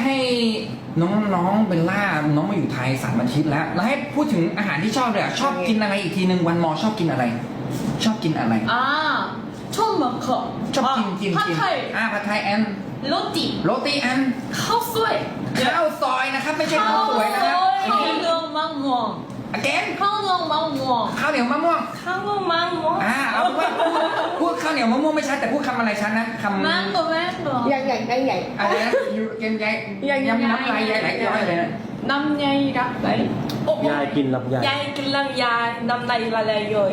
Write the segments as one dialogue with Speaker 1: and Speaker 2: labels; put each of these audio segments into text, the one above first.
Speaker 1: ให้น้องเบลล่าน้องมาอยู่ไทย3 อาทิตย์แล้วให้พูดถึงอาหารที่ชอบเลยชอบกินอะไรอีกทีหนึ่งวันมอชอบกินอะไรชอบกินอะไร
Speaker 2: 처음 먹어
Speaker 1: ชอบกินผัดไทยแอนโรตีแอน
Speaker 2: ข้าวซอย
Speaker 1: นะครับไม่ใช่ข้าวสวยนะครับ
Speaker 2: ข้าวเหนียวมะม่วง
Speaker 1: again
Speaker 2: ข้าวเหนียวมะม่วง
Speaker 1: ข้าวเหนียวมะม่วงเอาพูดข้าวเหนียวมะม่วงไม่ชัดแต่พูดคำอะไรชัดนะคำ
Speaker 2: แมงโก้
Speaker 3: ใหญ่
Speaker 1: อะไรนะยูเกนยายน้ำลายยายไหลย้อยเลยนะ
Speaker 2: น้ำยายรักไหล
Speaker 4: ยายกินลำไย
Speaker 2: ยายกินลำไยน้ำลายละลายย่อย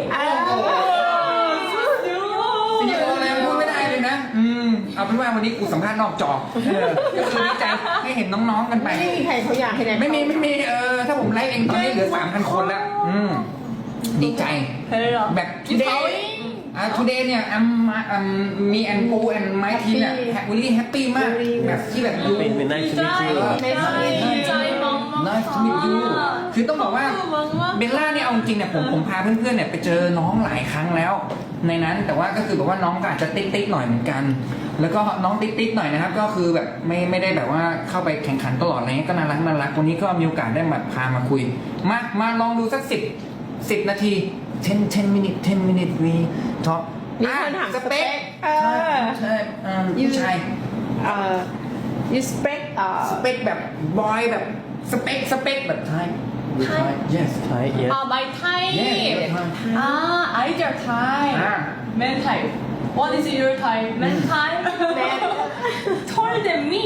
Speaker 1: สิ่งที่อะไรพูดไม่ได้เลยนะเอาเป็นว่าวันนี้กูสัมภาษณ์นอกจอก็คือดีใจให้เห็นน้องๆกันไป
Speaker 3: ไม่มีใครเขาอยากให้ไหน
Speaker 1: ไม่มีถ้าผมไลฟ์เองตอนนี้เหลือ 3,000 คนแล้วดีใจแบบ today เนี่ย me and Poo and my team เนี่ย really happy มากแบบที่แบบดู
Speaker 4: เป็นไนท์ชีวิต
Speaker 2: ใจมอง
Speaker 1: Nice to meet you คือต้องบอกว่าเบลล่าเนี่ยเอาจริงเนี่ยผมพาเพื่อนๆเนี่ยไปเจอน้องหลายครั้งแล้วในนั้นแต่ว่าก็คือแบบว่าน้องก็อาจจะติ๊กหน่อยเหมือนกันแล้วก็น้องติ๊กหน่อยนะครับก็คือแบบไม่ได้แบบว่าเข้าไปแข่งขันตลอดอะไรเงี้ยก็น่ารักวันนี้ก็มีโอกาสได้มาพามาคุยมาลองดูสัก10 นาที10 minutes we talk
Speaker 3: มีคนถาม
Speaker 1: สเปคใช่ผู้ชาย
Speaker 3: you spec
Speaker 1: สเปคแบบบอยแบบสเปคแบบไทย yes
Speaker 4: ไทย yes
Speaker 2: ใบไทยไอเดียไทยแมนไทย What is your type แมนไทยtaller than me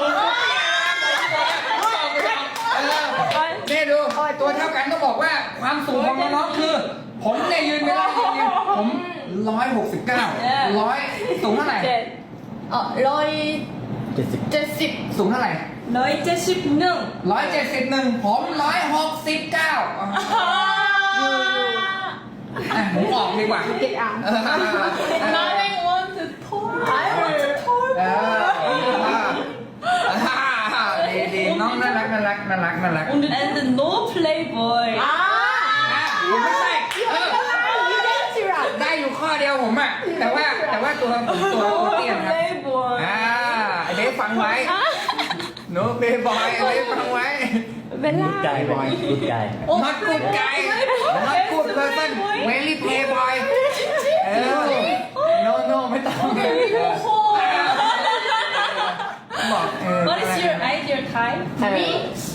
Speaker 1: นี่ดูตัวเท่ากันก็บอกว่าความสูงของน้องๆคือผมเนี่ยยืนไม่ได้ผม169สูงเท่าไหร่
Speaker 2: 170
Speaker 1: สูงเท่าไหร่
Speaker 2: 171
Speaker 1: ผมผมออกดีกว่า
Speaker 3: เก็ตอ่ะ
Speaker 2: I want to tall
Speaker 1: ดีน้องน่ารัก
Speaker 2: and no playboy
Speaker 1: ไม่ใช่ได้อยู่ข้อเดียวผมอ่ะแต่ว่าตัวเตี้ยครับเด็กฟังไว้โน้เบย์บอยเด็กฟังไว้
Speaker 3: เบลล่า
Speaker 4: ใจบอยกูใจ
Speaker 1: not good guy not good person very playboy no ไม่ต้องบอก
Speaker 2: What is your ideal type? Me?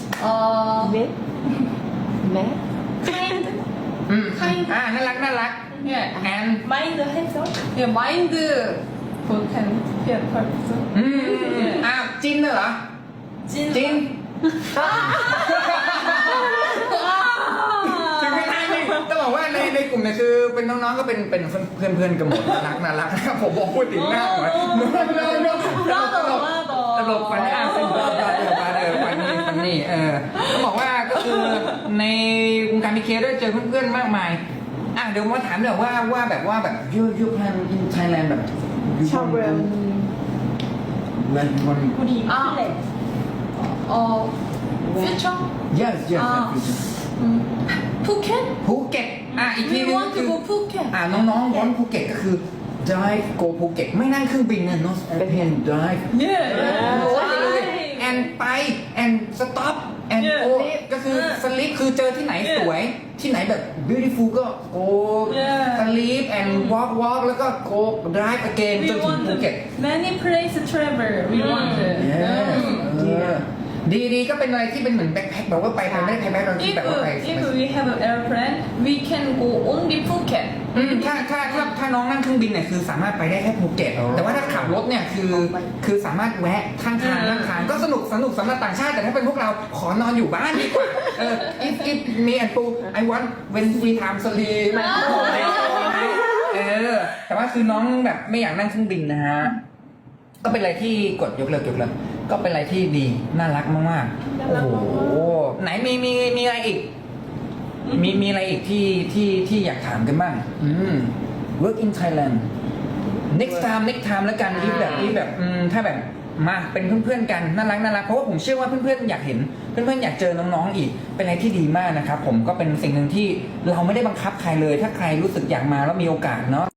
Speaker 3: แม่
Speaker 2: Kind.
Speaker 1: น่ารัก
Speaker 2: Yeah.
Speaker 1: and
Speaker 2: Mind handsome? Yeah, mind. Good and yeah, person.
Speaker 1: จินเหรอจินถึงไม่ได้ต้องบอกว่าในกลุ่มเนี่ยคือเป็นน้องๆก็เป็นเพื่อนกันหมดน่ารักนะครับผมบอกพูดถึงหน้าหน่อยตลกฟันนี่ต้องบอกว่าก็คือในวงการมีเคด้วยเจอเพื่อนๆมากมายเดี๋ยวมาถามเดี๋ยวว่าแบบยูแพลนอินไทยแลนด์แบบ
Speaker 3: ชอบเรื่อง
Speaker 1: มัน
Speaker 2: 우리 future?
Speaker 1: yes
Speaker 2: Phuket?
Speaker 1: ภูเก็ตอีกที
Speaker 2: We
Speaker 1: นึง
Speaker 2: want to go Phuket.
Speaker 1: น้องๆวอนภูเก็ตก็คือ drive go ภูเก็ตไม่นั่งเครื่องบินนะ no airplane drive
Speaker 2: Yeah.
Speaker 1: and ไป and stop and go ก็คือสลิปคือเจอที่ไหนสวยที่ไหนแบบ beautiful ก็ go sleep and walk แล้วก็ go drive again จนถึงภูเก็ต
Speaker 2: Many places travel. We want to.
Speaker 1: ดีก็เป็นอะไรที่เป็นเหมือนแบ็คแพ็คแบบว่าไปไม่ได้แพ็คเราที่แบบว่าไป
Speaker 2: If we have an airplane, we can go only Phuket.
Speaker 1: ถ้าน้องนั่งเครื่องบินเนี่ยคือสามารถไปได้แค่ภูเก็ตแต่ว่าถ้าขับรถเนี่ยคือสามารถแวะข้างทางก็สนุกสำหรับต่างชาติแต่ถ้าเป็นพวกเราขอนอนอยู่บ้านดีกว่าif me and Poo I want when free time sleep แต่ว่าคือน้องแบบไม่อยากนั่งเครื่องบินนะฮะก็เป็นอะไรที่กดยกเลิกก็เป็นอะไรที่ดีน่ารักมากๆโอ้โหไหนมีอะไรอีกมีอะไรอีกที่อยากถามกันบ้างwork in Thailand next time แล้วกันที่แบบถ้าแบบมาเป็นเพื่อนๆกันน่ารักเพราะว่าผมเชื่อว่าเพื่อนๆอยากเห็นเพื่อนๆอยากเจอน้องๆอีกเป็นอะไรที่ดีมากนะครับผมก็เป็นสิ่งหนึ่งที่เราไม่ได้บังคับใครเลยถ้าใครรู้สึกอยากมาแล้วมีโอกาสเนาะ